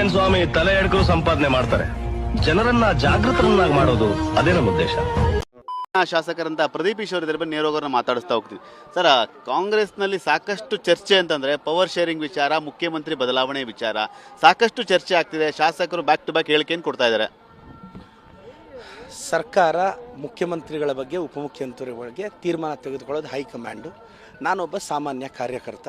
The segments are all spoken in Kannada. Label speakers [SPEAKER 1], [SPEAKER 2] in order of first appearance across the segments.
[SPEAKER 1] ಏನ್ ಸ್ವಾಮಿ ತಲೆ ಎಡ್ಕರು ಸಂಪಾದನೆ ಮಾಡ್ತಾರೆ. ಜನರನ್ನ ಜಾಗೃತರನ್ನಾಗಿ ಮಾಡೋದು ಅದೇ ನಮ್ಮ ಉದ್ದೇಶ.
[SPEAKER 2] ಶಾಸಕರಂತ ಪ್ರದೀಪ್ ಈಶ್ವರ್ ಇದ್ರ ಬಗ್ಗೆ ನೇರೋಗರನ್ನ ಮಾತಾಡಿಸ್ತಾ ಹೋಗ್ತೀನಿ. ಸರ್, ಕಾಂಗ್ರೆಸ್ನಲ್ಲಿ ಸಾಕಷ್ಟು ಚರ್ಚೆ ಅಂತಂದ್ರೆ ಪವರ್ ಶೇರಿಂಗ್ ವಿಚಾರ, ಮುಖ್ಯಮಂತ್ರಿ ಬದಲಾವಣೆ ವಿಚಾರ ಸಾಕಷ್ಟು ಚರ್ಚೆ ಆಗ್ತಿದೆ. ಶಾಸಕರು ಬ್ಯಾಕ್ ಟು ಬ್ಯಾಕ್ ಹೇಳಿಕೆಯನ್ನು ಕೊಡ್ತಾ ಇದ್ದಾರೆ.
[SPEAKER 3] ಸರ್ಕಾರ ಮುಖ್ಯಮಂತ್ರಿಗಳ ಬಗ್ಗೆ, ಉಪಮುಖ್ಯಮಂತ್ರಿಗಳ ಬಗ್ಗೆ ತೀರ್ಮಾನ ತೆಗೆದುಕೊಳ್ಳೋದು ಹೈಕಮಾಂಡು. ನಾನೊಬ್ಬ ಸಾಮಾನ್ಯ ಕಾರ್ಯಕರ್ತ.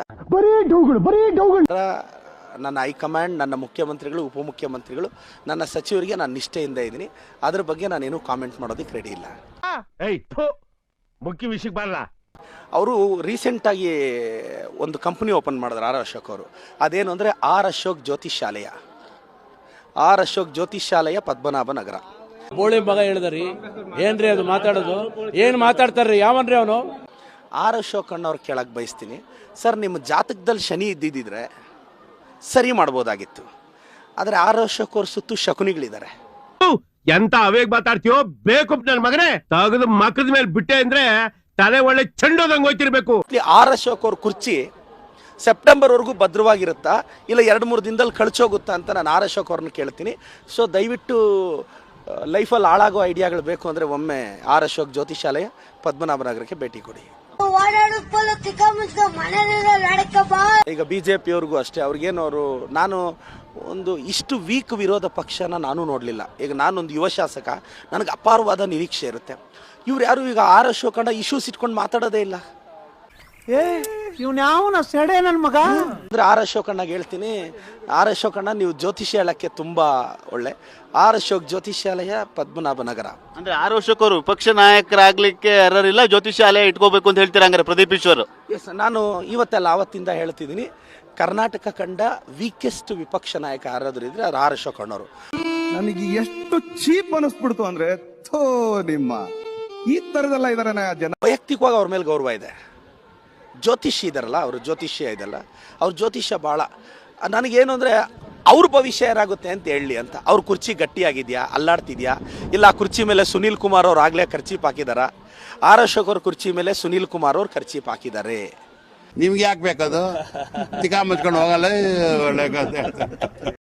[SPEAKER 3] ನನ್ನ ಹೈಕಮಾಂಡ್, ನನ್ನ ಮುಖ್ಯಮಂತ್ರಿಗಳು, ಉಪಮುಖ್ಯಮಂತ್ರಿಗಳು, ನನ್ನ ಸಚಿವರಿಗೆ ನಾನು ನಿಷ್ಠೆಯಿಂದ ಇದ್ದೀನಿ. ಅದ್ರ ಬಗ್ಗೆ ನಾನೇನು ಕಾಮೆಂಟ್ ಮಾಡೋದಕ್ಕೆ ರೆಡಿ ಇಲ್ಲ.
[SPEAKER 4] ಮುಖ್ಯ ವಿಷಯಕ್ಕೆ ಬರಲ್ಲ.
[SPEAKER 3] ಅವರು ರೀಸೆಂಟಾಗಿ ಒಂದು ಕಂಪ್ನಿ ಓಪನ್ ಮಾಡಿದ್ರು ಆರ್ ಅಶೋಕ್ ಅವರು. ಅದೇನು ಅಂದರೆ ಆರ್ ಅಶೋಕ್ ಜ್ಯೋತಿಷಾಲಯ. ಆರ್ ಅಶೋಕ್ ಜ್ಯೋತಿಷಾಲಯ, ಪದ್ಮನಾಭ ನಗರ.
[SPEAKER 5] ಬೋಳಿ ಮಗ ಹೇಳಿದ್ರಿ ಏನ್ರಿ ಅದು ಮಾತಾಡೋದು? ಏನು ಮಾತಾಡ್ತಾರ್ರಿ? ಯಾವನ್ರಿ ಅವನು?
[SPEAKER 3] ಆರ್ ಅಶೋಕ್ ಅಣ್ಣವ್ರು ಕೇಳಕ್ಕೆ ಬಯಸ್ತೀನಿ, ಸರ್ ನಿಮ್ಮ ಜಾತಕದಲ್ಲಿ ಶನಿ ಇದ್ದಿದ್ದರೆ ಸರಿ ಮಾಡ್ಬೋದಾಗಿತ್ತು. ಆದರೆ ಆರ್ ಅಶೋಕ್ ಅವ್ರ ಸುತ್ತು ಶಕುನಿಗಳಿದ್ದಾರೆ.
[SPEAKER 4] ಎಂತ ಅವೇಗ್ ಮಾತಾಡ್ತೀಯೋ ಬೇಕು ನನ್ನ ಮಗನೇ. ತಗದು ಮಕ್ಕದ ಮೇಲೆ ಬಿಟ್ಟೆ ಅಂದ್ರೆ ತಲೆ ಒಳ್ಳೆ ಚೆಂಡೋದಂಗ್ ಹೋಯ್ತಿರ್ಬೇಕು.
[SPEAKER 3] ಆರ್ ಅಶೋಕ್ ಅವ್ರ ಕುರ್ಚಿ ಸೆಪ್ಟೆಂಬರ್ವರೆಗೂ ಭದ್ರವಾಗಿರುತ್ತಾ ಇಲ್ಲ 2-3 ದಿನದಲ್ಲಿ ಕಳ್ಚೋಗುತ್ತಾ ಅಂತ ನಾನು ಆರ್ ಅಶೋಕ್ ಅವ್ರನ್ನ ಕೇಳ್ತೀನಿ. ಸೊ ದಯವಿಟ್ಟು ಲೈಫಲ್ಲಿ ಹಾಳಾಗೋ ಐಡಿಯಾಗಳು ಬೇಕು ಅಂದರೆ ಒಮ್ಮೆ ಆರ್ ಅಶೋಕ್ ಜ್ಯೋತಿಷಾಲಯ, ಪದ್ಮನಾಭನಗರಕ್ಕೆ ಭೇಟಿ ಕೊಡಿ. ಈಗ ಬಿಜೆಪಿ ಅವ್ರಿಗೂ ಅಷ್ಟೇ, ಅವ್ರಿಗೇನವರು ನಾನು ಒಂದು ಇಷ್ಟು ವೀಕ್ ವಿರೋಧ ಪಕ್ಷನ ನಾನು ನೋಡಲಿಲ್ಲ. ಈಗ ನಾನೊಂದು ಯುವ ಶಾಸಕ, ನನಗೆ ಅಪಾರವಾದ ನಿರೀಕ್ಷೆ ಇರುತ್ತೆ. ಇವ್ರು ಯಾರು ಈಗ ಆರ್ ಅಶೋಕ್ ಅಣ್ಣ ಇಶ್ಯೂಸ್ ಇಟ್ಕೊಂಡು ಮಾತಾಡೋದೇ ಇಲ್ಲ.
[SPEAKER 5] ಇವ್ನ್ಯಾವನ ಸೆಡೆ ನನ್ನ ಮಗ
[SPEAKER 3] ಅಂದ್ರೆ ಆರ್ ಅಶೋಕ್ ಅಣ್ಣಗೆ ಹೇಳ್ತೀನಿ, ಆರ್ ಅಶೋಕ್ ಅಣ್ಣ ನೀವು ಜ್ಯೋತಿಷ್ಯಾಲಯಕ್ಕೆ ತುಂಬಾ ಒಳ್ಳೆ. ಆರ್ ಅಶೋಕ್ ಜ್ಯೋತಿಷ್ಯಾಲಯ, ಪದ್ಮನಾಭ ನಗರ.
[SPEAKER 2] ಅಂದ್ರೆ ಆರ್ ಅಶೋಕ್ ಅವರು ವಿಪಕ್ಷ ನಾಯಕರಾಗ್ಲಿಕ್ಕೆ ಯಾರಿಲ್ಲ, ಜ್ಯೋತಿಷಾಲಯ ಇಟ್ಕೋಬೇಕು ಅಂತ ಹೇಳ್ತೀರಾ ಹಂಗಾರೆ ಪ್ರದೀಪ್ ಈಶ್ವರ್?
[SPEAKER 3] ಎಸ್, ನಾನು ಇವತ್ತೆಲ್ಲ ಆವತ್ತಿಂದ ಹೇಳ್ತಿದ್ದೀನಿ, ಕರ್ನಾಟಕ ಕಂಡ ವೀಕೆಸ್ಟ್ ವಿಪಕ್ಷ ನಾಯಕ ಯಾರಾದ್ರೂ ಇದ್ರೆ ಅದು ಆರ್ ಅಶೋಕ್ ಅಣ್ಣವರು.
[SPEAKER 6] ನನಗೆ ಎಷ್ಟು ಚೀಪ್ ಅನಿಸ್ಬಿಡ್ತು ಅಂದ್ರೆ, ಥೋ ನಿಮ್ಮ ಈ ತರದೆಲ್ಲ ಇದಾರೆ ಜನ.
[SPEAKER 3] ವೈಯಕ್ತಿಕವಾಗಿ ಅವ್ರ ಮೇಲೆ ಗೌರವ ಇದೆ. ಜ್ಯೋತಿಷ್ಯ ಇದಾರಲ್ಲ, ಅವರು ಜ್ಯೋತಿಷ್ಯ ಇದಲ್ಲ, ಅವ್ರ ಜ್ಯೋತಿಷ್ಯ ಭಾಳ ನನಗೇನು ಅಂದರೆ ಅವ್ರ ಭವಿಷ್ಯ ಏನಾಗುತ್ತೆ ಅಂತ ಹೇಳಲಿ ಅಂತ. ಅವ್ರ ಕುರ್ಚಿ ಗಟ್ಟಿಯಾಗಿದೆಯಾ, ಅಲ್ಲಾಡ್ತಿದ್ಯಾ, ಇಲ್ಲ ಆ ಕುರ್ಚಿ ಮೇಲೆ ಸುನೀಲ್ ಕುಮಾರ್ ಅವ್ರು ಆಗಲೇ ಖರ್ಚೀಪ್ ಹಾಕಿದಾರ? ಆರ್ ಅಶೋಕ್ ಅವ್ರ ಕುರ್ಚಿ ಮೇಲೆ ಸುನೀಲ್ ಕುಮಾರ್ ಅವ್ರು ಖರ್ಚೀಪ್ ಹಾಕಿದ್ದಾರೆ.
[SPEAKER 7] ನಿಮ್ಗೆ ಯಾಕೆ ಬೇಕದು? ತಿಕಾ ಮುಚ್ಕೊಂಡು ಹೋಗಲ್ಲ ಒಳ್ಳೆ